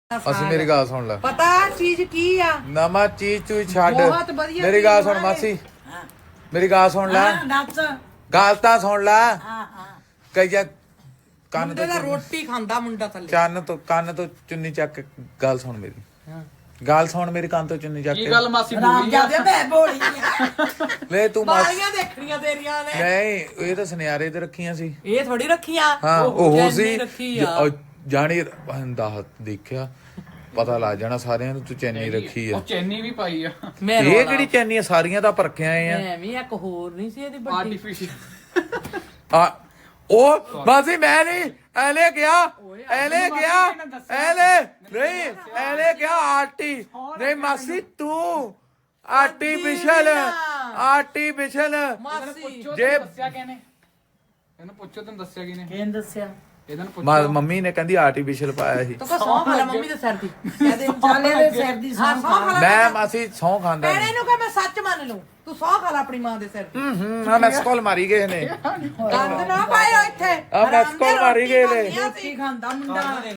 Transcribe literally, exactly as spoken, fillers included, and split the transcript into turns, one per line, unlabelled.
ਅਸੀਂ ਮੇਰੀ ਗੱਲ ਸੁਣ ਲੈ
ਪਤਾ ਚੀਜ਼ ਕੀ ਆ
ਨਵਾਂ ਚੀਜ਼ ਤੂੰ ਛੱਡ
ਬਹੁਤ ਵਧੀਆ
ਮੇਰੀ ਗੱਲ ਸੁਣ ਮਾਸੀ ਮੇਰੀ ਗੱਲ ਸੁਣ ਲੈ
ਨੱਚ
ਗੱਲ ਤਾਂ ਸੁਣ ਲੈ
ਹਾਂ ਹਾਂ
ਕਈ ਜਾ ਕੰਨ
ਮੁੰਡੇ
ਤੋਂ
ਦਾ ਰੋਟੀ ਖਾਂਦਾ ਮੁੰਡਾ ਥੱਲੇ
ਚੰਨ ਤੋਂ ਕੰਨ ਤੋਂ ਚੁੰਨੀ ਚੱਕ ਕੇ ਗੱਲ ਸੁਣ ਮੇਰੀ ਗੱਲ ਸੁਣ ਮੇਰੀ ਕੰਨ ਤੋਂ ਚੁੰਨੀ ਚੱਕ
ਕੀ
ਕੇ
ਗੱਲ ਮਾਸੀ
ਰਾਮ
ਬੋਲੀ
ਜਾਦੇ ਮੈਂ ਬੋਲੀ
ਲੈ ਤੂੰ ਮਾਸ
ਬਾਲੀਆਂ ਦੇਖਣੀਆਂ ਤੇਰੀਆਂ ਨੇ
ਨਹੀਂ ਇਹ ਤਾਂ ਸੁਨਿਆਰੇ ਤੇ ਰੱਖੀਆਂ ਸੀ
ਇਹ ਥੋੜੀ ਰੱਖੀਆਂ
ਹਾਂ ਉਹ
ਚੈਨੀ
ਸੀ
ਰੱਖੀ ਆ।
ਜ- ਜਾਣੀ ਬੰਦਾ ਦੇਖਿਆ ਪਤਾ ਲੱਗ ਜਾਣਾ ਸਾਰਿਆਂ ਨੂੰ ਤੂੰ ਚੈਨੀ ਰੱਖੀ ਆ
ਉਹ ਚੈਨੀ ਵੀ ਪਾਈ ਆ
ਮੈਂ
ਇਹ ਕਿਹੜੀ ਚੈਨੀ ਆ ਸਾਰੀਆਂ ਤਾਂ ਪਰਖਿਆ ਆਏ ਆ
ਮੈਂ ਵੀ ਇੱਕ ਹੋਰ ਨਹੀਂ ਸੀ ਇਹਦੀ ਵੱਡੀ
ਆਰਟੀਫੀਸ਼ੀਅਲ
ਆ ਉਹ ਬਾਜੀ ਮੈਂ ਨਹੀਂ ਐਲੇ ਗਿਆ ਐਲੇ ਗਿਆ ਐਲੇ ਨਹੀਂ ਐਲੇ ਗਿਆ ਆਰਟੀ ਨਹੀਂ ਮਾਸੀ ਤੂੰ ਆਰਟੀਫੀਸ਼ਲ ਆਰਟੀਫੀਸ਼ਲ
ਮਾਸੀ
ਜੇ
ਦੱਸਿਆ ਕਿਹਨੇ ਇਹਨੂੰ ਪੁੱਛੋ ਤੈਨੂੰ ਦੱਸਿਆ ਕਿਹਨੇ
ਕਿਹਨ ਦੱਸਿਆ
ਇਹਨਾਂ ਨੂੰ
ਮਾ-
ਪੁੱਛੋ
ਮੰਮੀ ਨੇ ਕਹਿੰਦੀ ਆਰਟੀਫੀਸ਼ਲ ਪਾਇਆ ਸੀ
ਤੂੰ ਕੋ ਸੌਂ ਖਾ ਲੈ ਮੰਮੀ ਦੇ ਸਿਰ ਦੀ ਕਹਦੇ ਚਾਲੇ ਦੇ ਸਿਰ ਦੀ ਸੌਂ ਖਾ ਲੈ
ਮੈਂ ਮਾਸੀ ਸੌਂ ਖਾਂਦਾ
ਭੈਣੇ ਨੂੰ ਕਹ ਮੈਂ ਸੱਚ ਮੰਨ ਲੂੰ ਤੂੰ ਸੌਂ ਖਾ ਲੈ ਆਪਣੀ ਮਾਂ ਦੇ ਸਿਰ ਦੀ
ਹੂੰ ਹੂੰ ਆ ਮੈਸ ਕਾਲ ਮਾਰੀ ਗਏ ਨੇ
ਗੰਦ ਨਾ ਪਾਇਓ ਇੱਥੇ
ਆ ਮੈਸ ਕਾਲ ਮਾਰੀ ਗਏ ਨੇ
ਰੋਟੀ ਖਾਂਦਾ ਮੁੰਡਾ